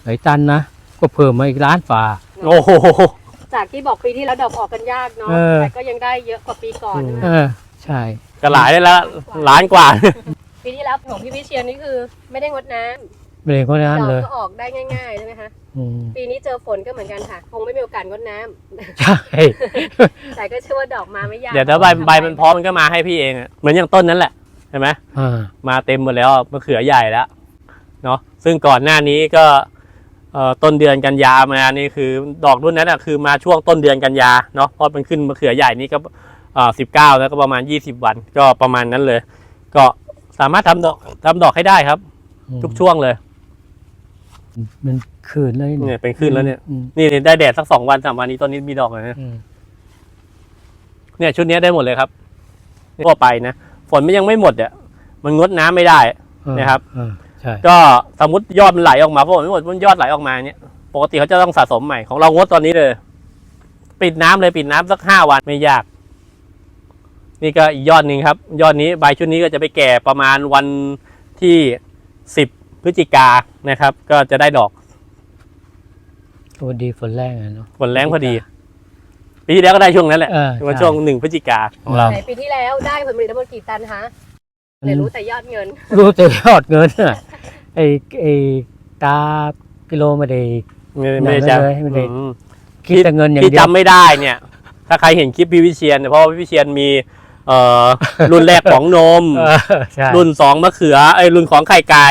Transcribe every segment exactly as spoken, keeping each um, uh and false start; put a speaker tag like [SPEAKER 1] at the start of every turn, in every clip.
[SPEAKER 1] หลายตันนะก็เพิ่มมาอีกล้านฝ่า
[SPEAKER 2] โอ้โห
[SPEAKER 3] จากที่บอกปีที่แล้วดอกออกกันยากเนาะแต่ก็ยังได้เยอะกว่าปีก่อนนะ
[SPEAKER 1] เออใช่
[SPEAKER 2] ก็หลายได้แล้วล้านกว่า
[SPEAKER 3] ปีที่แล้วของพี่วิเชียรนี่คือไม่ได้งดน้ำ
[SPEAKER 1] ไม่ได้งดน้ำเลย
[SPEAKER 3] ดอกก็ออกได้ง่ายๆใช่ไหมคะปีนี้เจอฝนก็เหมือนกันค่ะคงไม่มีโอกาสงดน้ำ
[SPEAKER 1] ใช่
[SPEAKER 3] แต่ก็เชื่อว่าดอกมาไม่ยาก
[SPEAKER 2] เดี๋ยวถ้าใบใบมันพร้อมมันก็มาให้พี่เองเหมือนอย่างต้นนั้นแหละใช่ไหมมาเต็มหมดแล้วมะเขือใหญ่แล้วเนาะซึ่งก่อนหน้านี้ก็ต้นเดือนกันยามานี่คือดอกรุ่นนั้นอ่ะคือมาช่วงต้นเดือนกันยาเนาะเพราะมันขึ้นมะเขือใหญ่นี่ก็สิบเก้าแล้วก็ประมาณยี่สิบวันก็ประมาณนั้นเลยก็สามารถทำดอกทำดอกให้ได้ครับทุกช่วงเลย
[SPEAKER 1] มันคืนเลย
[SPEAKER 2] เนี่ยเป็นคืนแล้วเนี่ยนี่ได้แดดสักสองวันสามวันนี้ต้นนี้มีดอกเลยนะเนี่ยชุดนี้ได้หมดเลยครับทั่วไปนะฝนมันยังไม่หมดอ่ะมันงดน้ำไม่ได้นะครับก็สมมติยอดมันไหลออกมาฝนไม่หมดมันยอดไหลออกมาเนี่ยปกติเขาจะต้องสะสมใหม่ของเรางดตอนนี้เลยปิดน้ำเลยปิดน้ำสักห้าวันไม่ยากนี่ก็อีกยอดหนึ่งครับยอดนี้ใบชุดนี้ก็จะไปแก่ประมาณวันที่สิบพฤศจิกานะครับก็จะได้ดอก
[SPEAKER 1] พอดีฝนแรงเนาะ
[SPEAKER 2] ฝนแรงพอดีปีที่แล้วก็ได้ช่วงนั้นแหละวันช่วงหนึ่งพฤศจิกาของเรา
[SPEAKER 3] ปีที่แล้วได้ผลผลิตทั้งหมดกี่ตันคะเลยรู้แต่ยอดเงิน
[SPEAKER 1] รู้แต่ยอดเงินไอ้ไอ้ตากิโลไม่ได้
[SPEAKER 2] ไม่ได้จำ
[SPEAKER 1] ไม่ได้คิดแต่เงินอย่างเดียว
[SPEAKER 2] ที่จำไม่ได้เนี่ยถ้าใครเห็นคลิปพี่วิเชียรเพราะพี่วิเชียรมีเอ่อรุ่นแรกของนมรุ่นสองมะเขือไอ้รุ่นของไข่ไก่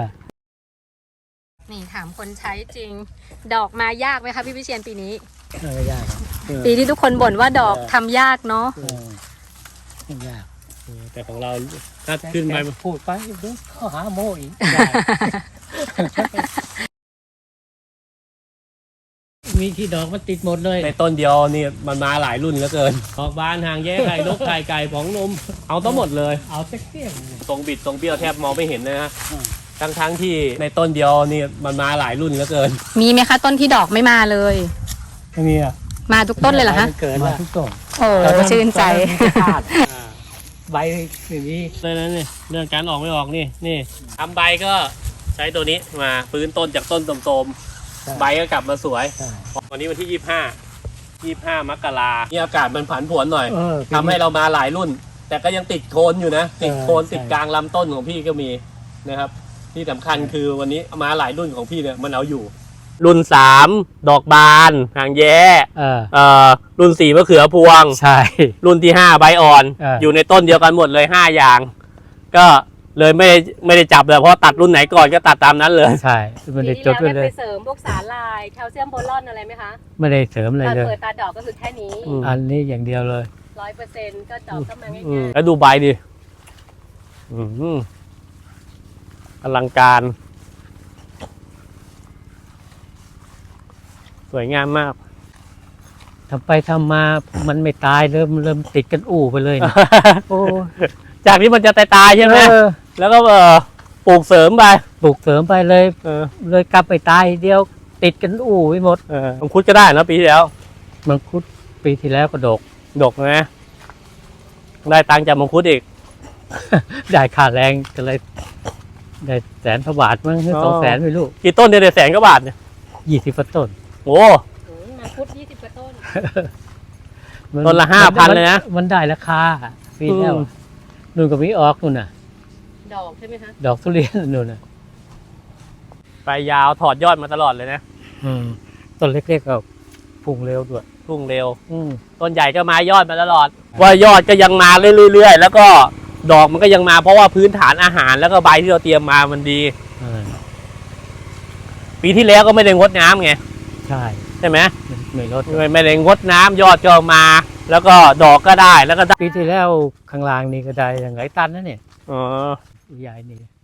[SPEAKER 3] นี่ถามคนใช้จริงดอกมายากไหมคะพี่วิเชียรปีนี้
[SPEAKER 1] ไม่ยาก
[SPEAKER 3] ปีที่ทุกคนบ่นว่าดอกทำยากเนาะ
[SPEAKER 1] ไม่ยาก
[SPEAKER 2] แต่ของเราถ้าขึ้นไป
[SPEAKER 1] พูดไปเดี๋ยวเขาหาโม่อีกมีที่ดอกมันติดหมดเลย
[SPEAKER 2] ในต้นเดียวนี่มันมาหลายรุ่นเหลือเกินออกบานหางแย่ไข่นกไข่ไก่ผองนมเอาทั้งหมดเลย
[SPEAKER 1] เอาเตี้ย
[SPEAKER 2] ตรงบิดตรงเบี้ยวแทบมองไม่เห็นเลยนะทั้งทั้งที่ในต้นเดียวนี่มันมาหลายรุ่นเหลือเกิน
[SPEAKER 3] มีไหมคะต้นที่ดอกไม่มาเลย
[SPEAKER 1] ไม่มีอ่ะ
[SPEAKER 3] มาทุกต้นเลยเหรอคะ
[SPEAKER 1] มาทุกต้น
[SPEAKER 3] โอ้ชื่นใจ
[SPEAKER 1] ใบอย่างนี้
[SPEAKER 2] เลยนะนี่เรื่องการออกไม่ออกนี่นี่ทำใบก็ใช้ตัวนี้มาฟื้นต้นจากต้นโทรมๆใบก็กลับมาสวยวันนี้วันที่ยี่สิบห้ายี่สิบห้ามกรานี่อากาศมันผันผวนหน่อยทำให้เรามาหลายรุ่นแต่ก็ยังติดโคนอยู่นะติดโคนติดกลางลำต้นของพี่ก็มีนะครับที่สำคัญคือวันนี้มาหลายรุ่นของพี่เนี่ยมันเอาอยู่รุ่นสามดอกบานหางแย้เอ่อรุ่นสี่มะเขือพวง
[SPEAKER 1] ใช่
[SPEAKER 2] รุ่นที่ห้าใบอ่อนอยู่ในต้นเดียวกันหมดเลยห้าอย่างก็เลยไม่ได้ไม่ได้จับเลยเพราะตัดรุ่นไหนก่อนก็ตัดตามนั้นเลย
[SPEAKER 1] ใช่ไม่ได้จดเลย
[SPEAKER 3] ไปเสริมพวกสารลายแคลเซียมโบรอนอะไรไหมคะ
[SPEAKER 1] ไม่ได้เสริมอะไรเลย
[SPEAKER 3] เปิดตาดอกก็คือแค่นี้
[SPEAKER 1] อันนี้อย่างเดียวเลย
[SPEAKER 3] ร้อยเปอร์เซ็นต์ก็ดอกก็มาง่าย
[SPEAKER 2] ๆแล้วดูใบดิอลังการสวยงามมาก
[SPEAKER 1] ทำไปทำมามันไม่ตายเริ่มเริ่มติดกันอู่ไปเลยโอ้
[SPEAKER 2] จากที่มันจะตายๆใช่ไหมแล้วก็ปลูกเสริมไป
[SPEAKER 1] ปลูกเสริมไปเลยเลยกลับไปตายเดียวติดกันอู่ไปหมด
[SPEAKER 2] มังคุดก็ได้นะปีที่แล้ว
[SPEAKER 1] มังคุดปีที่แล้วก็ดก
[SPEAKER 2] ดกนะได้ตังค์จากมังคุดอีก
[SPEAKER 1] ได้ค่าแรงก็เลยได้แสนกว่าบาทมั้งสองแสนไม่รู้
[SPEAKER 2] กี่ต้นได้แสนกว่าบาทเนี่ย
[SPEAKER 1] ยี่สิบต้น
[SPEAKER 2] โอ้
[SPEAKER 3] มังคุดยี่สิบต้น
[SPEAKER 2] ต้นละห้าพันเลยนะ
[SPEAKER 1] มันได้ราคาปีแล้วนู่นก็มีออกนู่นน่ะ
[SPEAKER 3] ดอกใช่ไหมคะ
[SPEAKER 1] ดอกทุเรียนนู่นน่ะ
[SPEAKER 2] ไปยาวถอดยอดมาตลอดเลยนะ
[SPEAKER 1] ต้นเล็กๆก็พุ่งเร็วด้วย
[SPEAKER 2] พุ่งเร็วต้นใหญ่ก็มายอดมาตลอดว่ายอดก็ยังมาเรื่อยๆแล้วก็ดอกมันก็ยังมาเพราะว่าพื้นฐานอาหารแล้วก็ใบที่เราเตรียมมามันดีปีที่แล้วก็ไม่ได้งดน้ำไง
[SPEAKER 1] ใช่
[SPEAKER 2] ใช่ไหม
[SPEAKER 1] ไม่ลด
[SPEAKER 2] ไม่ได้งดน้ำยอดก็มาแล้วก็ดอกก็ได้แล้วก็
[SPEAKER 1] ปีที่แล้วข้างล่างนี่ก็ได้อย่างไรตันนะเนี่ย
[SPEAKER 2] อ๋อ
[SPEAKER 1] ใหญ่นี่